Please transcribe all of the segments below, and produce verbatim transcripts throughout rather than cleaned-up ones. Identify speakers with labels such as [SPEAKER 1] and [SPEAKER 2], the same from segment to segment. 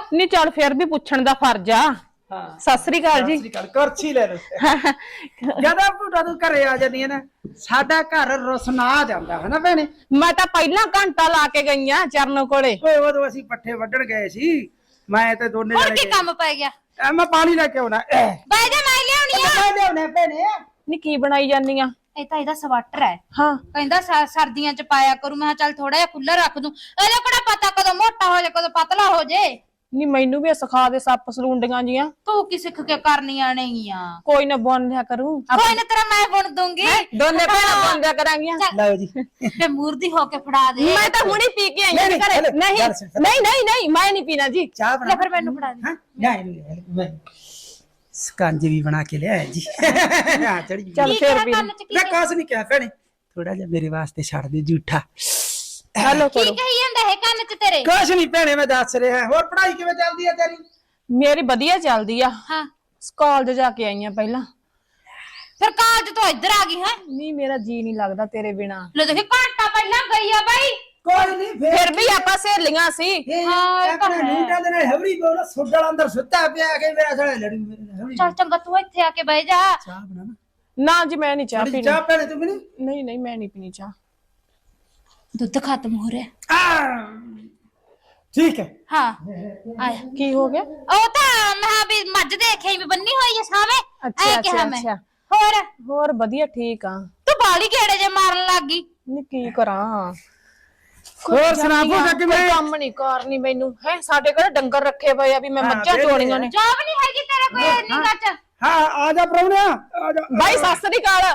[SPEAKER 1] ਨਹੀਂ ਚੱਲ ਫਿਰ ਵੀ ਪੁੱਛਣ ਦਾ ਫਰਜ਼ ਆ। ਹਾਂ ਸਤਿ ਸ੍ਰੀ ਅਕਾਲ ਜੀ।
[SPEAKER 2] ਸਤਿ ਸ੍ਰੀ ਅਕਾਲ। ਕੁਰਸੀ ਲੈ ਲਓ। ਜਦੋਂ ਭੂਟਾ ਤੂੰ ਘਰੇ ਆ ਜਾਂਦੀ ਹੈ ਨਾ ਸਾਡਾ ਘਰ ਰੁਸਨਾ ਜਾਂਦਾ ਹੈ ਨਾ ਭੈਣੇ।
[SPEAKER 1] ਮੈਂ ਤਾਂ ਪਹਿਲਾਂ ਘੰਟਾ ਲਾ ਕੇ ਗਈ ਆ ਚਰਨ ਕੋਲੇ।
[SPEAKER 2] ਓਏ ਉਦੋਂ ਅਸੀਂ ਪੱਠੇ ਵੱਢਣ ਗਏ ਸੀ ਮੈਂ ਤੇ ਦੋਨੇ
[SPEAKER 3] ਹੋਰ
[SPEAKER 2] ਜਣੇ
[SPEAKER 3] ਕੀ ਕੰਮ ਪੈ ਗਿਆ?
[SPEAKER 2] ਐ ਮੈਂ ਪਾਣੀ ਲੈ ਕੇ ਆਉਣਾ।
[SPEAKER 3] ਬਾਈ ਜਾ ਮੈਂ ਲਿਆਉਣੀ ਆ।
[SPEAKER 2] ਮੈਂ ਲਿਆਉਣਾ ਭੈਣੇ।
[SPEAKER 1] ਨੀ ਕੀ ਬਣਾਈ ਜਾਨੀ ਆ?
[SPEAKER 3] ਇਹ ਤਾਂ ਇਹਦਾ ਸਵਾਟਰ ਹੈ।
[SPEAKER 1] ਹਾਂ
[SPEAKER 3] ਕਹਿੰਦਾ ਸਰਦੀਆਂ ਚ ਪਾਇਆ ਕਰੂ। ਮੈਂ ਚੱਲ ਥੋੜਾ ਜਿਹਾ ਖੁੱਲਾ ਰੱਖ ਦੂੰ। ਇਹਦਾ ਕਿਹੜਾ ਪਤਾ ਕਦੋਂ ਮੋਟਾ ਹੋ ਜਾ ਕਦੋਂ ਪਤਲਾ ਹੋ ਜੇ।
[SPEAKER 1] ਨੀ ਮੈਨੂੰ ਵੀ ਸਿਖਾ ਦੇ ਸੱਪ ਸਲੂੰਡੀਆਂ ਜੀਆਂ।
[SPEAKER 3] ਤੂੰ ਕੀ ਸਿੱਖ ਕੇ ਕਰਨੀਆਂ ਨੇਗੀਆਂ?
[SPEAKER 1] ਕੋਈ ਨਾ ਬੁਣ ਲਿਆ ਕਰੂੰ।
[SPEAKER 3] ਕੋਈ ਨਾ ਤੇਰਾ ਮੈਂ ਬੁਣ ਦੂੰਗੀ।
[SPEAKER 1] ਦੋਨੇ ਭੈਣਾਂ ਬੁਣ ਲਿਆ ਕਰਾਂਗੀਆਂ।
[SPEAKER 2] ਲਓ ਜੀ।
[SPEAKER 3] ਤੇ ਮੂਰਤੀ ਹੋ ਕੇ ਫੜਾ ਦੇ।
[SPEAKER 1] ਮੈਂ ਤਾਂ ਹੁਣੇ ਪੀ ਕੇ ਆਈ ਹਾਂ ਘਰੇ। ਨਹੀਂ ਨਹੀਂ ਨਹੀਂ ਨਹੀਂ ਮੈਂ ਨਹੀਂ ਪੀਣਾ ਜੀ।
[SPEAKER 2] ਚਾਹ ਬਣਾ
[SPEAKER 3] ਲੈ ਫਿਰ ਮੈਨੂੰ ਫੜਾ ਦੇ।
[SPEAKER 2] ਹਾਂ ਨਹੀਂ ਮੈਂ ਸਕੰਜ ਵੀ ਬਣਾ ਕੇ ਲਿਆਇਆ ਜੀ। ਆ ਚੜੀ
[SPEAKER 1] ਚੱਲ
[SPEAKER 3] ਕੀ
[SPEAKER 1] ਫਿਰ
[SPEAKER 3] ਕਿਹਾ
[SPEAKER 1] ਵੀ
[SPEAKER 3] ਕੰਨ ਚ? ਕੀ
[SPEAKER 2] ਮੈਂ ਕਾਸ ਨਹੀਂ ਕਿਹਾ ਭੈਣੇ ਥੋੜਾ ਜਿਹਾ ਮੇਰੇ ਵਾਸਤੇ ਛੱਡ ਦੇ ਝੂਠਾ।
[SPEAKER 1] ਹੈਲੋ
[SPEAKER 3] ਕੀ ਕਹੀ ਜਾਂਦਾ ਇਹ ਕੰਨ ਚ ਤੇਰੇ?
[SPEAKER 2] ਕੁਛ ਨਹੀਂ ਭੈਣੇ ਮੈਂ ਦੱਸ ਰਿਹਾ। ਹੋਰ ਪੜ੍ਹਾਈ ਕਿਵੇਂ ਚੱਲਦੀ ਹੈ ਤੇਰੀ?
[SPEAKER 1] ਮੇਰੀ ਵਧੀਆ ਚੱਲਦੀ ਆ।
[SPEAKER 3] ਹਾਂ
[SPEAKER 1] ਕਾਲਜ ਜਾ ਕੇ ਆਈ ਆ ਪਹਿਲਾਂ।
[SPEAKER 3] ਫਿਰ ਕਾਲਜ ਤੋਂ ਇੱਧਰ ਆ ਗਈ ਹੈ?
[SPEAKER 1] ਨਹੀਂ ਮੇਰਾ ਜੀ ਨਹੀਂ ਲੱਗਦਾ ਤੇਰੇ ਬਿਨਾ।
[SPEAKER 3] ਲੈ ਦੇਖੇ ਘੰਟਾ ਪਹਿਲਾਂ ਗਈ ਆ ਬਾਈ।
[SPEAKER 2] ਕੋਈ ਨਹੀਂ
[SPEAKER 1] ਫਿਰ ਵੀ ਆਪਾਂ ਸਹੇਲੀਆਂ ਸੀ।
[SPEAKER 3] ਹਾਂ, ਇਹ ਤਾਂ
[SPEAKER 2] ਆਪਣੇ
[SPEAKER 3] ਹੈ।
[SPEAKER 2] ਨੂਟਾਂ ਦੇ ਨਾਲ ਹਵਰੀ ਬੋਲ ਸੁੱਡਲ ਅੰਦਰ ਸੁੱਤਾ ਪਿਆ ਕੇ ਮੇਰਾ ਸਾਲਾ ਲੜੂ ਮੇਰੇ ਨਾਲ ਹਵਰੀ।
[SPEAKER 3] ਚੱਲ ਚੰਗਾ ਤੂੰ ਇੱਥੇ ਆ ਕੇ ਬਹਿ ਜਾ।
[SPEAKER 2] ਚਾਹ ਬਣਾ ਨਾ।
[SPEAKER 1] ਨਾ ਜੀ ਮੈਂ ਨਹੀਂ ਚਾਹ
[SPEAKER 2] ਥੋੜੀ
[SPEAKER 1] ਪੀਣੀ।
[SPEAKER 2] ਚਾਹ ਭੈਣੇ ਤੂੰ ਮੈਨੂੰ
[SPEAKER 1] ਨਹੀਂ ਨਹੀਂ ਮੈਂ ਨਹੀਂ ਪੀਣੀ ਚਾਹ।
[SPEAKER 3] ਦੁੱਧ ਖਤਮ ਹੋ ਰਿਹਾ।
[SPEAKER 2] ਆ ਠੀਕ ਹੈ।
[SPEAKER 3] ਹਾਂ ਆਇਆ।
[SPEAKER 1] ਕੀ ਹੋ ਗਿਆ?
[SPEAKER 3] ਉਹ ਤਾਂ ਮੈਂ ਵੀ ਮੱਝ ਦੇਖੇ ਵੀ ਬੰਨੀ ਹੋਈ ਐ ਸਾਵੇਂ।
[SPEAKER 1] ਅੱਛਾ
[SPEAKER 3] ਐ ਕਿਹਾ
[SPEAKER 1] ਅੱਛਾ
[SPEAKER 3] ਮੈਂ।
[SPEAKER 1] ਅੱਛਾ
[SPEAKER 3] ਹੋਰ
[SPEAKER 1] ਹੋਰ ਵਧੀਆ ਠੀਕ ਆ।
[SPEAKER 3] ਤੂੰ ਬਾਲੀ ਕਿਹੜੇ ਜੇ ਮਾਰਨ ਲੱਗ ਗਈ?
[SPEAKER 1] ਨੀ ਕੀ ਕਰਾਂ?
[SPEAKER 2] ਹੋਰ ਸੁਣਾ
[SPEAKER 1] ਕੋਈ
[SPEAKER 2] ਭੂਟਾ ਕਿਵੇਂ?
[SPEAKER 1] ਕੰਮ ਨਹੀਂ ਕਰਨੀ ਮੈਨੂੰ ਹੈ। ਸਾਡੇ ਘਰੇ ਡੰਗਰ ਰੱਖੇ ਪਏ ਆ ਵੀ ਮੈਂ
[SPEAKER 2] ਹਾਂ,
[SPEAKER 1] ਮੱਝਾਂ
[SPEAKER 2] ਵਿਹਲੇ
[SPEAKER 1] ਚੋਣੀਆਂ ਨੇ।
[SPEAKER 3] ਜੋਬ ਨਹੀਂ ਹੈਗੀ ਤੇਰੇ ਕੋਈ ਨਿਗਾਹ ਚ?
[SPEAKER 2] ਹਾਂ ਆ ਜਾ ਪ੍ਰਾਹੁਣਿਆ ਆ ਜਾ।
[SPEAKER 1] ਬਾਈ ਸਤਿ ਸ੍ਰੀ ਅਕਾਲ।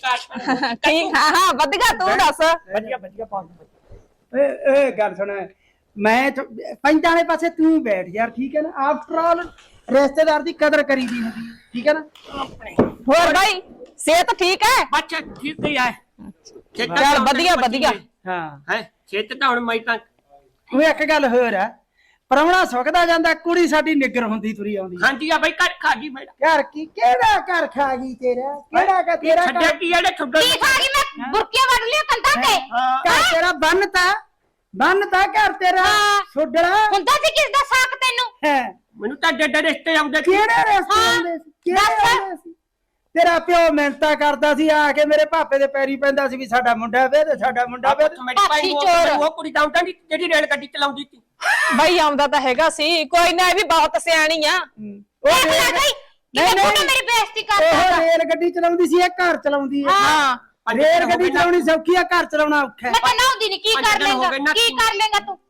[SPEAKER 1] ਠੀਕ ਹਾਂ ਹਾਂ ਵਧੀਆ ਤੂੰ ਦੱਸ।
[SPEAKER 2] ਵਧੀਆ ਵਧੀਆ ਪਾ ਏ ਏ ਗੱਲ ਸੁਣ ਮੈਂ ਪਿੰਡ ਵਾਲੇ ਪਾਸੇ ਤੂੰ ਬੈਠ ਯਾਰ ਠੀਕ ਹੈ ਨਾ। ਆਫਟਰ ਆਲ ਰਿਸ਼ਤੇਦਾਰ ਦੀ ਕਦਰ ਕਰੀਦੀ ਹੁੰਦੀ ਹੈ ਠੀਕ ਹੈ ਨਾ।
[SPEAKER 1] ਹੋਰ ਬਾਈ ਸਿਹਤ ਠੀਕ ਹੈ?
[SPEAKER 4] ਅੱਛਾ ਠੀਕ ਹੀ ਹੈ।
[SPEAKER 1] ਚੱਲ ਵਧੀਆ ਵਧੀਆ।
[SPEAKER 2] ਹਾਂ
[SPEAKER 4] ਹੈ ਛੇਤ ਤਾਂ ਹੁਣ ਮੈਂ ਤਾਂ
[SPEAKER 2] ਉਹ ਇੱਕ ਗੱਲ ਹੋਰ ਹੈ ਪ੍ਰਾਹੁਣਾ ਸੁੱਕਦਾ ਜਾਂਦਾ ਕੁੜੀ ਸਾਡੀ ਨਿੱਗਰ ਹੁੰਦੀ ਤੁਰੀ ਆਉਂਦੀ ਹੈ।
[SPEAKER 4] ਹਾਂਜੀ ਆ ਬਈ ਘਰ ਖਾ ਗਈ ਮੇਰਾ
[SPEAKER 2] ਘਰ ਕੀ ਕਿਹੜਾ ਘਰ ਖਾ ਗਈ ਤੇਰਾ ਕਿਹੜਾ ਕਾ ਤੇਰਾ
[SPEAKER 4] ਛੱਡਿਆ
[SPEAKER 2] ਘਰ
[SPEAKER 4] ਕੀ ਇਹਨੇ ਛੱਡੋ
[SPEAKER 3] ਕੀ ਖਾ ਗਈ? ਮੈਂ ਬੁਰਕੀਆਂ ਵੱਢ ਲਿਆ ਕੰਧਾਂ ਤੇ।
[SPEAKER 2] ਘਰ ਤੇਰਾ ਬੰਨਤਾ ਬੰਨਤਾ ਘਰ ਤੇਰਾ ਛੋਡੜਾ
[SPEAKER 3] ਹੁੰਦਾ ਸੀ ਕਿਸ ਦਾ ਸਾਕ ਤੈਨੂੰ?
[SPEAKER 2] ਹੈ।
[SPEAKER 4] ਮੈਨੂੰ ਤਾਂ ਡੱਡੇ ਰਿਸ਼ਤੇ ਆਉਂਦੇ ਸੀ।
[SPEAKER 2] ਕਿਹੜੇ ਰਸਤੇ ਆਉਂਦੇ ਸੀ ਕਿਹੜੇ ਆਉਂਦੇ ਸੀ? ਤੇਰਾ ਪਿਓ ਮਿਹਨਤਾਂ ਕਰਦਾ ਸੀ ਆ ਕੇ ਮੇਰੇ ਭਾਪੇ ਦੇ ਪੈਰੀ ਪੈਂਦਾ ਸੀ ਵੀ ਸਾਡਾ ਮੁੰਡਾ ਵੇ ਤੇ ਸਾਡਾ ਮੁੰਡਾ ਵੇ।
[SPEAKER 4] ਮੇਰੀ ਭਾਈ ਉਹ ਉਹ ਕੁੜੀ ਤਾਂ ਆਉਂਦਾ ਨਹੀਂ ਜਿਹੜੀ ਰੇਲ ਗੱਡੀ ਚਲਾਉਂਦੀ ਸੀ।
[SPEAKER 1] ਬਾਈ ਆਉਂਦਾ ਤਾਂ ਹੈਗਾ ਸੀ। ਕੋਈ ਨਾ ਇਹ ਵੀ ਬਹੁਤ ਸਿਆਣੀ ਆ।
[SPEAKER 2] ਉਹ
[SPEAKER 3] ਦੇਖ ਲੈ
[SPEAKER 2] ਰੇਲ-
[SPEAKER 3] ਬਈ ਕਿਵੇਂ ਬੁੱਢਾ ਮੇਰੀ ਬੇਇੱਜ਼ਤੀ
[SPEAKER 2] ਉਹ
[SPEAKER 3] ਕਰਦਾ।
[SPEAKER 2] ਰੇਲ ਗੱਡੀ ਚਲਾਉਂਦੀ ਸੀ ਇਹ ਘਰ ਚਲਾਉਂਦੀ ਹੈ।
[SPEAKER 1] ਹਾਂ
[SPEAKER 2] ਰੇਲ ਗੱਡੀ ਚਲਾਉਣੀ ਸੌਖੀ ਆ ਘਰ ਚਲਾਉਣਾ ਔਖਾ ਹੈ।
[SPEAKER 3] ਮੈਂ ਤਾਂ ਨਾਉਂਦੀ ਨਹੀਂ। ਕੀ ਕਰ ਲੇਗਾ? ਕੀ ਕਰ ਲੇਗਾ ਤੂੰ?